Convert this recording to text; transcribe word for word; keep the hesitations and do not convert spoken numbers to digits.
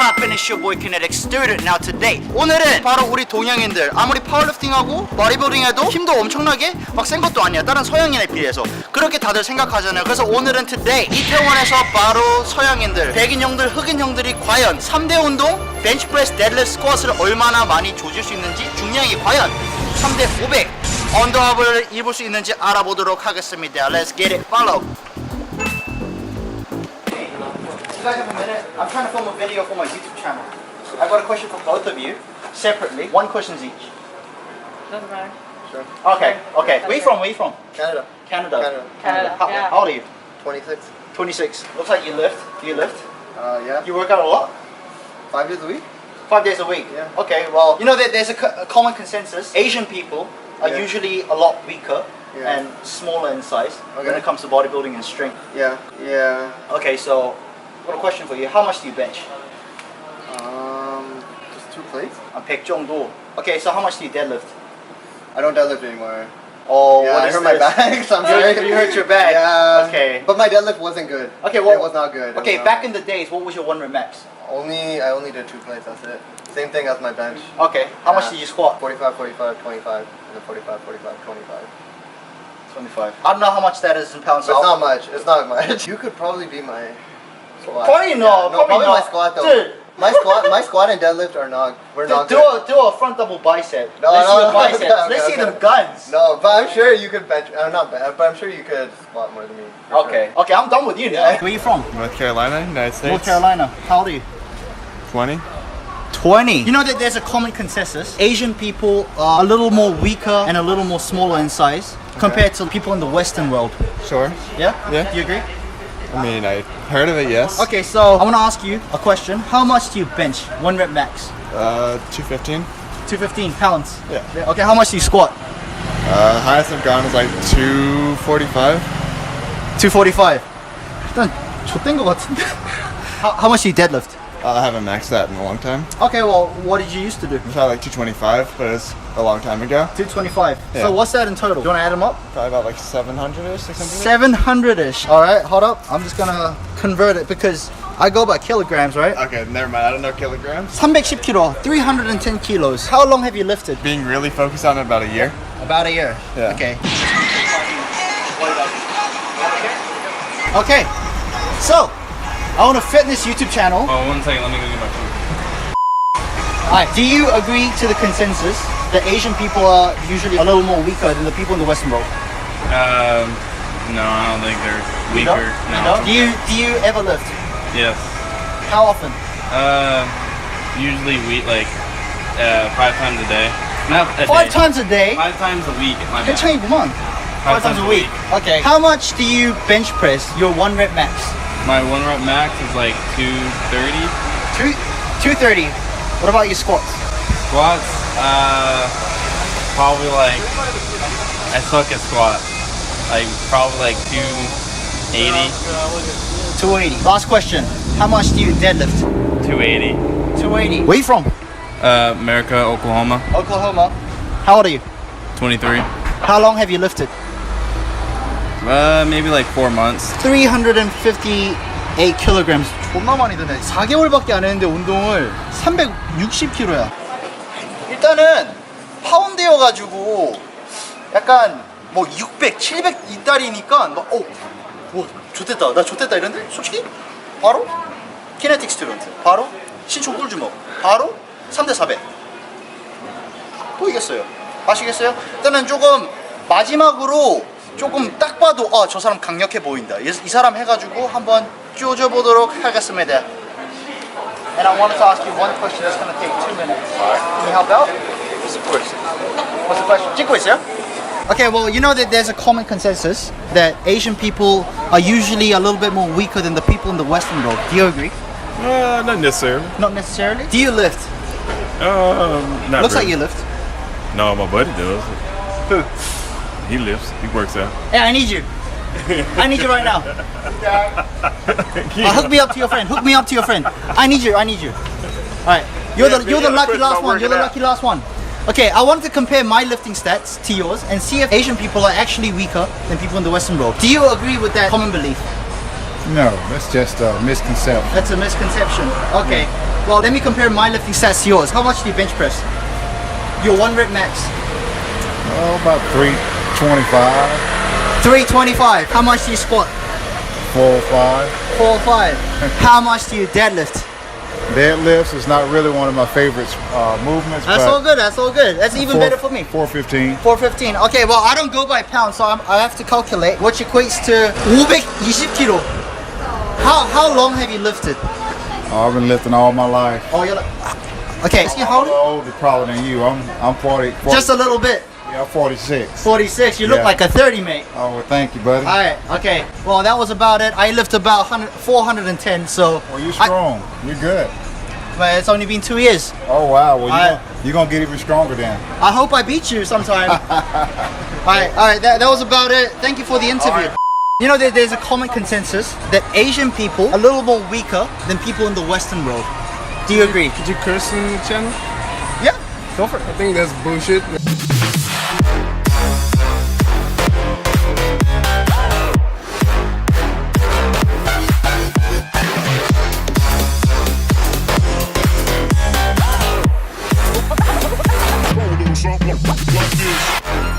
poppin'? It's your boy Kinetic Student. Now today 오늘은 바로 우리 동양인들 아무리 파워리프팅하고 보디빌딩해도 힘도 엄청나게 막 센 것도 아니야 다른 서양인에 비해서 그렇게 다들 생각하잖아요. 그래서 오늘은 today 이태원에서 바로 서양인들 백인 형들 흑인 형들이 과연 삼 대 운동 벤치프레스 데드리프트 스쿼트를 얼마나 많이 조질 수 있는지 중량이 과연 삼 대 오백 언더업을 입을 수 있는지 알아보도록 하겠습니다. Let's get it. Follow. You guys have a minute? I'm trying to film a video for my YouTube channel. I've got a question for both of you, separately. One questions each. Doesn't matter. Sure. Okay, okay. Where you from? Where you from? Canada. Canada. Canada. Canada, How, yeah. how old are you? twenty-six. twenty-six. Looks like you lift. Do you lift? Uh, yeah. You work out a lot? Five days a week? Five days a week? Yeah. Okay, well, you know that there's a, co- a common consensus. Asian people are Yeah. usually a lot weaker Yeah. and smaller in size when Okay. it comes to bodybuilding and strength. Yeah. Yeah. Okay, so I've got a question for you. How much do you bench? Um, just two plates? I'm 백 정도. Okay, so how much do you deadlift? I don't deadlift anymore. Oh, yeah, what I is hurt my this? back. So I'm You hurt- sorry. you hurt your back. Yeah. Okay. But my deadlift wasn't good. Okay, well, it was not good. It Okay, was back not- in the days, what was your one rep max? Only I only did two plates. That's it. Same thing as my bench. Okay, how much Yeah. did you squat? forty-five, forty-five, twenty-five, and then forty-five, forty-five, twenty-five. twenty-five. I don't know how much that is in pounds. So it's I'll- not much. It's not much. You could probably be my squat. Probably not, Yeah, no, probably probably my not. squat though. Dude. My squat, my squat and deadlift are not. We're Do, not do good. a do a front double bicep. No, Let's no, see the no, biceps. okay, Let's see okay. them guns. No, but I'm sure you could bench. I'm not bad, but I'm sure you could squat more than me. for Okay. Okay, I'm done with you now. Yeah. Where you from? North Carolina, United States. North Carolina. How old are you? twenty. twenty. You know that there's a common consensus. Asian people are a little more weaker and a little more smaller in size compared to people in the Western world. Sure. Yeah? Yeah. Do you agree? I mean, I heard of it, yes. Okay, so I want to ask you a question. How much do you bench? One rep max. Uh, two fifteen. two fifteen pounds. Yeah. Okay, how much do you squat? Uh, highest I've gone is like two forty-five. two forty-five. 일단 좆된 것 같은데. how, how much do you deadlift? Uh, I haven't maxed that in a long time. Okay, well, what did you used to do? I thought like two twenty-five, but it's a long time ago. two twenty-five. Yeah. So what's that in total? Do you want to add them up? Probably about like seven hundred-ish, six hundred. seven hundred-ish. All right, hold up. I'm just gonna convert it because I go by kilograms, right? Okay, never mind. I don't know kilograms. 삼백십 킬로, three hundred ten kilos. How long have you lifted? Being really focused on it about a year. About a year. Yeah. Okay. Okay. So, I own a fitness YouTube channel. Oh, one second, let me go get my food. Alright, do you agree to the consensus that Asian people are usually a little more weaker than the people in the Western world? Um, no, I don't think they're You don't? weaker. You No. don't? Do you do you ever lift? Yes. How often? Uh, usually we like uh five times a day. Not a Five day. times a day? Five times a week. My bad. 괜찮이구만. Five Five times a week. Okay. How much do you bench press your one rep max? My one rep max is like two thirty. Two, two thirty. What about your squats? Squats, uh, probably like I suck at squats. Like probably like two eighty. two eighty. Last question. How much do you deadlift? Two eighty. two eighty. Where you from? Uh, America, Oklahoma. Oklahoma. How old are you? twenty-three. How long have you lifted? Uh, maybe like four months. three hundred fifty-eight kilograms. 존나 많이 드네. 사 개월밖에 안 했는데 운동을 삼백육십 킬로야. 일단은 파운드여가지고 약간 뭐 육백, 칠백 이달이니까 막 어, 뭐 좋댔다. 나 좋댔다 이런데 솔직히 바로 키네틱 스튜던트. 바로 신촌 꿀주먹. 바로 삼 대 사백. 또 이겼어요. 아시겠어요? 일단은 조금 마지막으로 조금 딱 봐도 아, 저 사람 강력해 보인다. 이, 이 사람 해가지고 한번 쪼져보도록 하겠습니다. And I wanted to ask you one question that's going to take two minutes. Can you help out? What's the question? What's the question? 찍고 있어요? Okay, well, you know that there's a common consensus that Asian people are usually a little bit more weaker than the people in the Western world. Do you agree? Uh, not necessarily. Not necessarily. Do you lift? Um, not Looks like really. you lift. No, my buddy does. Who? He lifts. He works out. Yeah, I need you. I need you right now. Uh, hook me up to your friend. Hook me up to your friend. I need you. I need you. All right. You're the you're the lucky last one. You're the lucky last one. Okay, I wanted to compare my lifting stats to yours and see if Asian people are actually weaker than people in the Western world. Do you agree with that common belief? No, that's just a misconception. That's a misconception. Okay. Well, let me compare my lifting stats to yours. How much do you bench press? Your one rep max. Oh, about three twenty-five, three twenty-five. How much do you squat? four or five. four or five. How much do you deadlift? Deadlifts is not really one of my favorite uh, movements. That's but all good. That's all good. That's even four- better for me. four fifteen. four fifteen. Okay, well, I don't go by pounds, so I'm, I have to calculate, which equates to 오백이십 kilo. How how long have you lifted? Oh, I've been lifting all my life. Oh, you're like, okay. Is he I'm holding? older probably than you. I'm I'm forty. forty Just a little bit. yeah, forty-six. forty-six. You look Yeah. like a thirty, mate. Oh, well, thank you, buddy. All right. Okay. Well, that was about it. I lift about one hundred, four hundred ten. So. well, you're I- strong. you're good. but it's only been two years. Oh, wow. Well, you're I- gonna, you're gonna get even stronger then. I hope I beat you sometime. all right. All right. That, that was about it. Thank you for the interview. You know, there, there's a common consensus that Asian people are a little more weaker than people in the Western world. Do you agree? Could you curse in the channel? Yeah. Go for it. I think that's bullshit. Something like this.